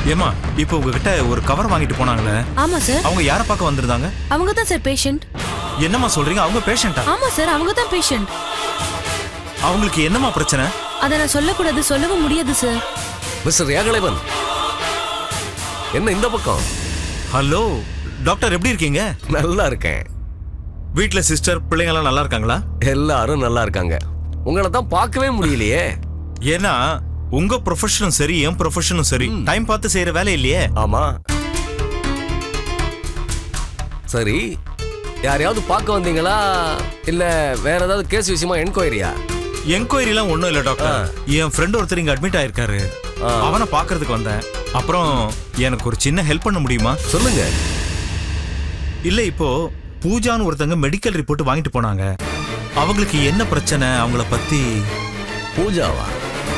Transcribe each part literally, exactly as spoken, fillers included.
ஏமா இப்போ உங்ககிட்ட ஒரு கவர் வாங்கிட்டு போனாங்களே? ஆமா சார். அவங்க யாரை பார்க்க வந்திருந்தாங்க? அவங்க தான் சார் பேஷண்ட். என்னம்மா சொல்றீங்க? அவங்க பேஷண்டா? ஆமா சார், அவங்க தான் பேஷண்ட். அவங்களுக்கு என்னம்மா பிரச்சனை? அதை நான் சொல்லக்கூடாது, சொல்லவும் முடியாது சார். மிஸ்டர் ஏகலைவன், என்ன இந்த பக்கம்? ஹலோ டாக்டர், எப்படி இருக்கீங்க? நல்லா இருக்கேன். வீட்ல சிஸ்டர் பிள்ளைங்க எல்லாம் நல்லா இருக்காங்களா? எல்லாரும் நல்லா இருக்காங்க. உங்களை தான் பார்க்கவே முடியலையே. ஏன்னா உங்க ப்ரொஃபஷனும் சரி என் ப்ரொஃபஷனும் சரி டைம் பார்த்து செய்யற வேலை இல்லையே. ஆமா. சரி, யாரையாவது பார்க்க வந்தீங்களா இல்ல வேற ஏதாவது கேஸ் விஷயமா என்கொயரியா? என்கொயரி எல்லாம் ஒண்ணும் இல்ல டாக்டர். என் ஃப்ரெண்ட் ஒருத்தர் இங்க அட்மிட் ஆயிருக்காரு. அவனை பாக்குறதுக்கு வந்தேன். அப்புறம் எனக்கு ஒரு சின்ன ஹெல்ப் பண்ண முடியுமா? சொல்லுங்க. இல்ல, இப்போ பூஜான்னு ஒருத்தங்க மெடிக்கல் ரிப்போர்ட் வாங்கிட்டு போனாங்க. அவங்களுக்கு என்ன பிரச்சனை, அவங்கள பத்தி. பூஜாவா?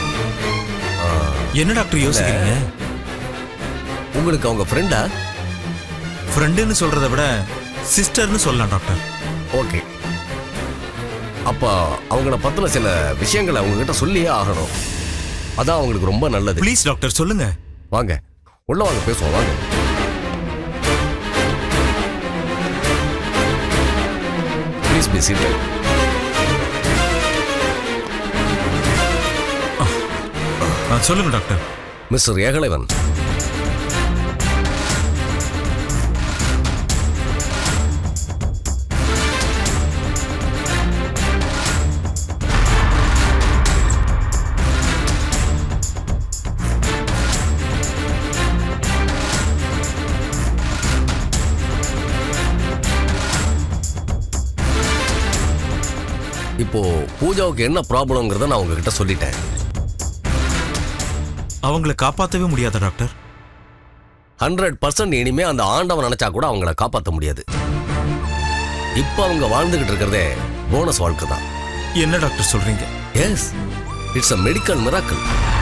என்ன டாக்டர் யோசிக்கிறீங்க? உங்களுக்கு அவங்க ஃப்ரெண்டா? ஃப்ரெண்டுன்னு சொல்றதை விட சிஸ்டர்னு சொல்லலாம் டாக்டர். ஓகே, அப்ப அவங்கள பத்தின சில விஷயங்களை அவங்க கிட்ட சொல்லியே ஆகணும். அதான் அவங்களுக்கு ரொம்ப நல்லது. ப்ளீஸ் டாக்டர், சொல்லுங்க. வாங்க, உள்ள வாங்க, பேசுவோம். வாங்க. Please be seated. சொல்லுங்க டாக்டர். மிஸ்டர் ஏகலைவன், இப்போ பூஜாவுக்கு என்ன ப்ராப்ளம்ங்கிறத நான் உங்ககிட்ட சொல்லிட்டேன். அவங்கள காப்பாற்றவே முடியாத டாக்டர்? ஹண்ட்ரட் பர்சன்ட் இனிமே அந்த ஆண்டவன் நினைச்சா கூட அவங்கள காப்பாற்ற முடியாது. இப்ப அவங்க வாழ்ந்துகிட்டு இருக்கிறதே போனஸ் வாழ்க்கை தான். என்ன டாக்டர் சொல்றீங்க? Yes, it's a medical miracle.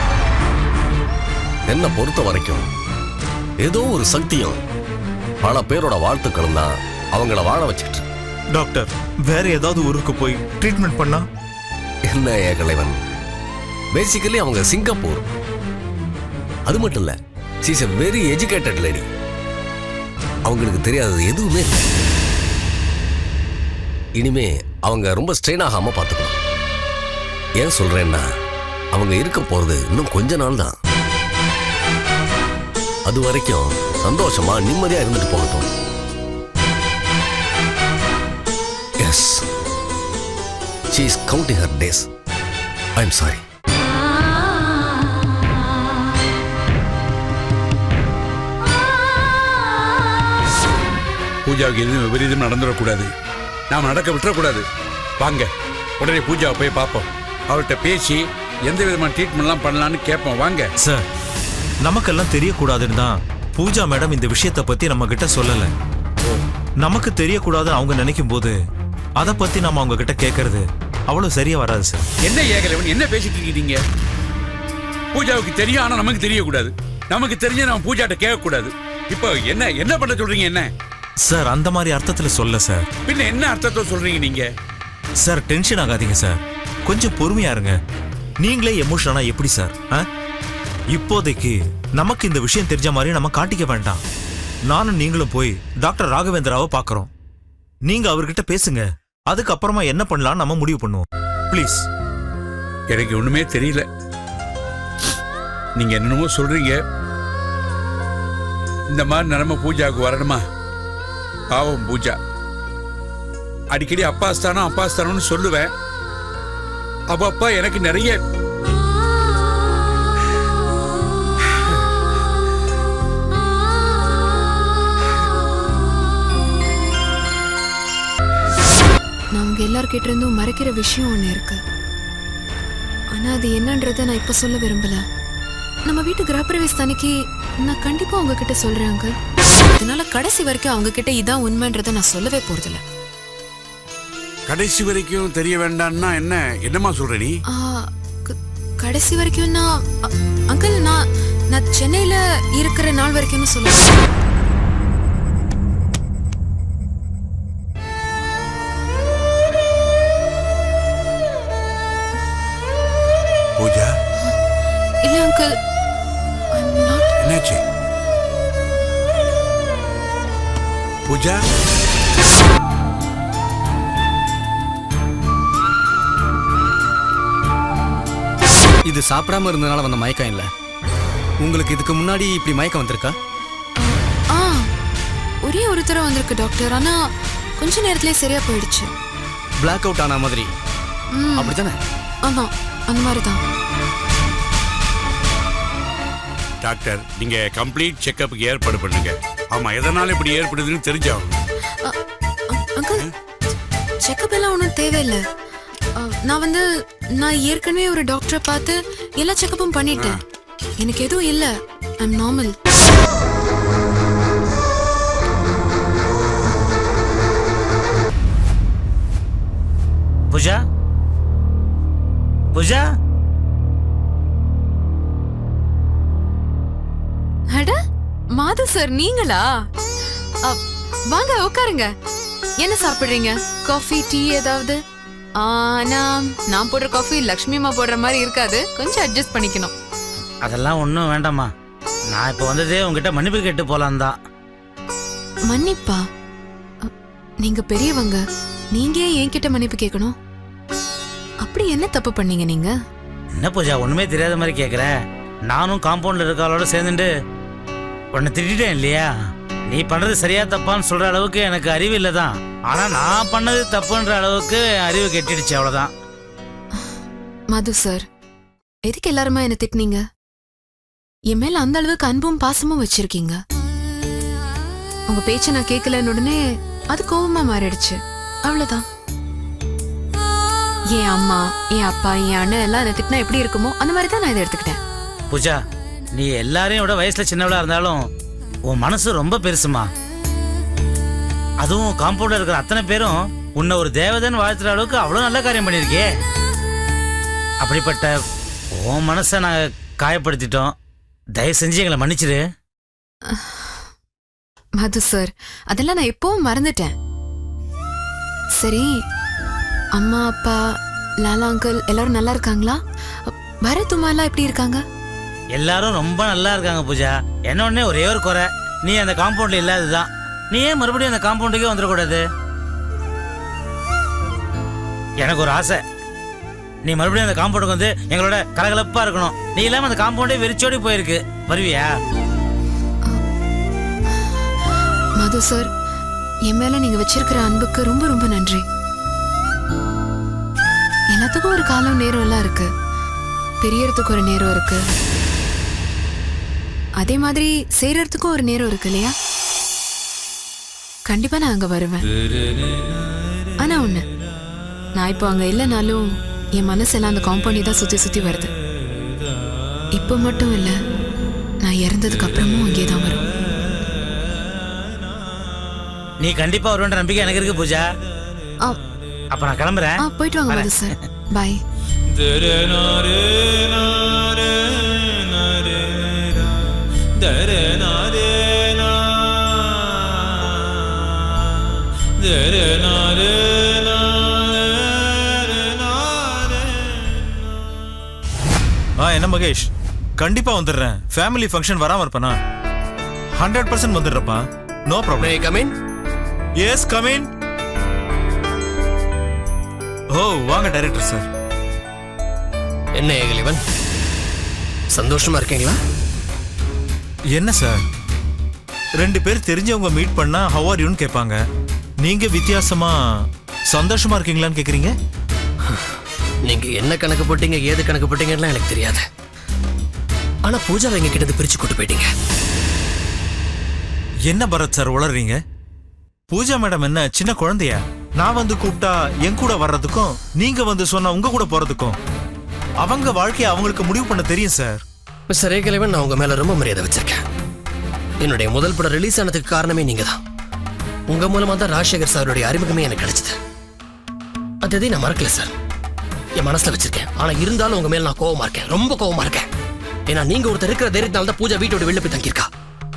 என்ன பொறுத்த வரைக்கும் ஏதோ ஒரு சக்தியும் பல பேரோட வாழ்த்துக்களும் தான் அவங்கள வாழ வச்சுக்கிட்டு. டாக்டர், வேற ஏதாவது ஊருக்கு போய் ட்ரீட்மெண்ட் பண்ணா? என்ன ஏகலைவன், பேசிக்கலி அவங்க சிங்கப்பூர். அது மட்டும் இல்ல, she is a very educated lady. அவங்களுக்கு தெரியாதது எதுவுமே இல்லை. இனிமே அவங்க ரொம்ப ஸ்ட்ரெயின் ஆகாம பார்த்துக்கணும். ஏன் சொல்றேன்னா, அவங்க இருக்க போறது இன்னும் கொஞ்ச நாள் தான். அது வரைக்கும் சந்தோஷமா நிம்மதியா இருந்துட்டு போகட்டும். Yes, she is counting her days. I am sorry. பூஜாவுக்கு எதுவும் விபரீதம் நடந்துடக்கூடாது. நாம் நடக்க விட்டுறக்கூடாது. வாங்க, உடனே பூஜாவை போய் பார்ப்போம். அவர்கிட்ட பேசி எந்த விதமான ட்ரீட்மெண்ட்லாம் பண்ணலான்னு கேட்போம். வாங்க சார். நமக்கெல்லாம் தெரியக்கூடாதுன்னு தான் பூஜா மேடம் இந்த விஷயத்தை பத்தி நம்ம கிட்ட சொல்லல. நமக்கு தெரியக்கூடாது அவங்க நினைக்கும் போது அதை பத்தி நம்ம அவங்க கிட்ட கேட்கறது அவ்வளவு சரியா வராது சார். என்ன ஏகலைவன், என்ன பேசிட்டு இருக்கீங்க? பூஜாவுக்கு தெரியும், ஆனா நமக்கு தெரியக்கூடாது. நமக்கு தெரிஞ்ச நம்ம பூஜாட்ட கேட்கக்கூடாது. இப்போ என்ன என்ன பண்ண சொல்றீங்க? என்ன சார், அந்த மாதிரி அர்த்தத்துல சொல்ல சார். பின்ன என்ன அர்த்தத்தை சொல்றீங்க நீங்க? சார், டென்ஷன் ஆகாதீங்க சார். கொஞ்சம் பொறுமையா இருங்க. நீங்களே எமோஷனா எப்படி சார்? இப்போதைக்கு நமக்கு இந்த விஷயம் தெரிஞ்ச மாதிரி நம்ம காட்டிக்க வேண்டாம். நானும் நீங்களும் போய் டாக்டர் ராகவேந்திராவை பார்க்கறோம். நீங்க அவர்கிட்ட பேசுங்க. அதுக்கப்புறமா என்ன பண்ணலாம் நம்ம முடிவு பண்ணுவோம். ப்ளீஸ். எனக்கு ஒண்ணுமே தெரியல. நீங்க என்னமோ சொல்றீங்க. இந்த மாதிரி நிலைமை பூஜாவுக்கு வரணுமா? பாவம் பூஜா. அடிக்கடி அப்பாஸ்தானம் அப்பாஸ்தானம்னு சொல்லுவேன். அப்ப அப்பா எனக்கு நிறைய நான் உங்க எல்லார்கிட்ட இருந்தும் மறைக்கிற விஷயம் ஒண்ணு இருக்கு. ஆனா அது என்னன்றத நான் இப்ப சொல்ல விரும்பல. நம்ம வீட்டு கிரகப்பிரவேச அன்னைக்கு நான் கண்டிப்பா உங்ககிட்ட சொல்றேன் அங்கிள். அதனால கடைசி வரைக்கும் அவங்க கிட்ட இதான் உண்மைன்றத நான் சொல்லவே போறதில்ல. கடைசி வரைக்கும் தெரிய வேண்டாம்னா என்ன என்னமா சொல்ற நீ? கடைசி வரைக்கும் நான் அங்கிள் நான் நான் சென்னையில இருக்கிற நாள் வரைக்கும் சொல்லுவேன். பூஜா, இல்ல அங்கிள், ஐ அம் நாட் என்னாச்சு பூஜா? இது சாப்பிடாம இருந்ததுனால வந்த மயக்கம் இல்லை. உங்களுக்கு இதுக்கு முன்னாடி இப்படி மயக்கம் வந்திருக்கா? ஆ ஒரே ஒரு தடவை வந்திருக்கு டாக்டர். ஆனா கொஞ்ச நேரத்திலே சரியா போயிடுச்சு. பிளாக் அவுட் ஆன மாதிரி ம், அப்படித்தானே? ஆமா அந்த மாதிரி தான். டாக்டர், நீங்க கம்ப்ளீட் செக்கப்புக்கு ஏற்பாடு பண்ணுங்க. ஆமா, எதனால இப்படி ஏற்படுதுன்னு தெரிஞ்சாகும். அங்கிள், செக்கப் எல்லாம் ஒன்றும் தேவையில்லை. அ, நான் வந்து நான் ஏற்கனவே ஒரு டாக்டரை பார்த்து எல்லா செக்கப்பும் பண்ணிட்டேன். எனக்கு எதுவும் இல்லை. I am normal. Pooja Pooja அட மாது சார், நீங்களா? அ, வாங்க உட்காருங்க. என்ன சாப்பிடுறீங்க? காஃபி, டீ ஏதாவது? ஆனா நான் போடுற காஃபி லக்ஷ்மி அம்மா போடுற மாதிரி இருக்காது. கொஞ்சம் அட்ஜஸ்ட் பண்ணிக்கணும். அதெல்லாம் ஒன்றும் வேண்டாம்மா. நான் இப்போ வந்ததே உங்ககிட்ட மன்னிப்பு கேட்டு போலாம் தான். மன்னிப்பா? அ, நீங்க பெரியவங்க, நீங்க ஏன் என்கிட்ட மன்னிப்பு கேட்கணும்? அப்படி என்ன தப்பு பண்ணீங்க நீங்க? என்ன பூஜா ஒன்றுமே தெரியாத மாதிரி கேட்குற? நானும் காம்பவுண்டில் இருக்காளோட சேர்ந்துட்டு உன்னை திட்டேன் இல்லையா? நீ பண்ணுறது சரியா தப்பான்னு சொல்கிற அளவுக்கு எனக்கு அறிவு இல்லை தான். ஆனால் நான் பண்ணது தப்புன்ற அளவுக்கு அறிவு கெட்டிடுச்சு, அவ்வளோதான். மது சார், எதுக்கு எல்லாருமா என்ன திட்டினீங்க? என் மேல அந்த அளவுக்கு அன்பும் பாசமும் வச்சிருக்கீங்க. உங்க பேச்ச நான் கேட்கலன்னு உடனே அது கோபமா மாறிடுச்சு. அவ்வளவுதான். என் அம்மா, என் அப்பா, என் அண்ணன் எல்லாம் என்ன திட்டினா எப்படி இருக்குமோ அந்த மாதிரி தான் நான் இதை எடுத்துக்கிட்டேன். பூஜா, நீ எல்லாரையும் விட வயசில் சின்னவளா இருந்தாலும் உன் மனசு ரொம்ப பெருசுமா. அதுவும் காம்பவுண்டில் இருக்கிற அத்தனை பேரும் உன்னை ஒரு தேவதைன்னு வாழ்த்துற அளவுக்கு அவ்வளோ நல்ல காரியம் பண்ணியிருக்கே. அப்படிப்பட்ட உன் மனசை நாங்கள் காயப்படுத்திட்டோம். தயவு செஞ்சு எங்களை மன்னிச்சிடு. மது சார், அதெல்லாம் நான் எப்பவும் மறந்துட்டேன். சரி, அம்மா அப்பா, லாலா அங்கிள் எல்லாரும் நல்லா இருக்காங்களா? பரத் உமா எல்லாம் எப்படி இருக்காங்க? எல்லாரும் ரொம்ப நல்லா இருக்காங்க பூஜா. என்ன ஒண்ணே ஒரே ஒரு குறை, நீ அந்த காம்பவுண்ட்ல இல்லாததுதான். நீ ஏன் மறுபடியும் அந்த காம்பவுண்டுக்கே வந்துடக்கூடாது? எனக்கு ஒரு ஆசை, நீ மறுபடியும் அந்த காம்பவுண்டுக்கு வந்து எங்களோட கலகலப்பா இருக்கணும். நீ இல்லாம அந்த காம்பவுண்டே வெறிச்சோடி போயிருக்கு. வருவியா? மது சார், என் மேல நீங்க வச்சிருக்கிற அன்புக்கு ரொம்ப ரொம்ப நன்றி. எல்லாத்துக்கும் ஒரு காலம் நேரம் எல்லாம் இருக்கு. பெரியறதுக்கு ஒரு நேரம் இருக்கு, அதே மாதிரி செய்யறதுக்கும் ஒரு நேரம் இருக்கு இல்லையா? கண்டிப்பா நான் அங்க வருவேன். ஆனா ஒண்ணு, நான் இப்போ அங்க இல்லைனாலும் என் மனசெல்லாம் அந்த காம்பவுண்டை தான் சுத்தி சுத்தி வருது. இப்போ மட்டும் இல்ல, நான் இறந்ததுக்கு அப்புறமும் அங்கே தான் வரும். நீ கண்டிப்பா வருவேன்ற நம்பிக்கை எனக்கு இருக்கு பூஜா. ஆ, அப்ப நான் கிளம்புறேன். ஆ, போயிட்டு வாங்க மது சார். பாய். ஆ என்ன மகேஷ், கண்டிப்பா வந்துடுறேன். ஃபேமிலி ஃபங்க்ஷன் வராம இருப்பேனா? ஹண்ட்ரட் பர்சன்ட் வந்துடுறப்பா. No problem. Come in. Yes come in. Oh வாங்க டைரக்டர் சார். என்ன ஏகலைவன், சந்தோஷமா இருக்கீங்களா? என்ன சார், ரெண்டு பேர் தெரிஞ்சவங்க மீட் பண்ணா ஹவ் ஆர் யூன்னு கேட்பாங்க. நீங்க வித்தியாசமா சந்தோஷமா இருக்கீங்களான்னு கேக்குறீங்க. நீங்க என்ன கணக்கு போட்டீங்க, ஏது கணக்கு போட்டீங்கன்னு எனக்கு தெரியாது. ஆனா பூஜாவை எங்க கிட்ட பிரிச்சு கூட்டு போயிட்டீங்க. என்ன பரத் சார் உளறீங்க? பூஜா மேடம் என்ன சின்ன குழந்தையா? நான் வந்து கூப்பிட்டா என் கூட வர்றதுக்கும் நீங்க வந்து சொன்னா உங்க கூட போறதுக்கும் அவங்க வாழ்க்கையை அவங்களுக்கு முடிவு பண்ண தெரியும் சார். மிஸ்டர் ஏகலைவன், நான் உங்க மேல ரொம்ப மரியாதை வச்சிருக்கேன். என்னுடைய முதல் படம் ரிலீஸ் ஆனதுக்கு காரணமே நீங்க தான். உங்க மூலமா தான் ராஜசேகர் சாருடைய அறிமுகமே எனக்கு கிடைச்சது. அது எதையும் நான் மறக்கல சார், என் மனசுல வச்சிருக்கேன். ஆனா இருந்தாலும் உங்க மேல நான் கோவமா இருக்கேன், ரொம்ப கோவமா இருக்கேன். ஏன்னா நீங்க ஒருத்தர் இருக்கிற தைரியத்தினால தான் பூஜா வீட்டோட வெளில போய் தங்கியிருக்கா.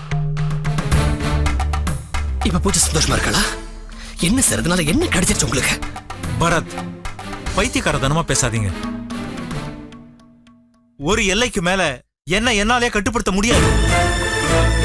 இப்ப பூஜா சந்தோஷமா இருக்காளா? என்ன சார், அதனால என்ன கிடைச்சிருச்சு உங்களுக்கு? பரத், பைத்தியக்காரத்தனமா பேசாதீங்க. ஒரு எல்லைக்கு மேல என்ன என்னாலே கட்டுப்படுத்த முடியாது. ஆ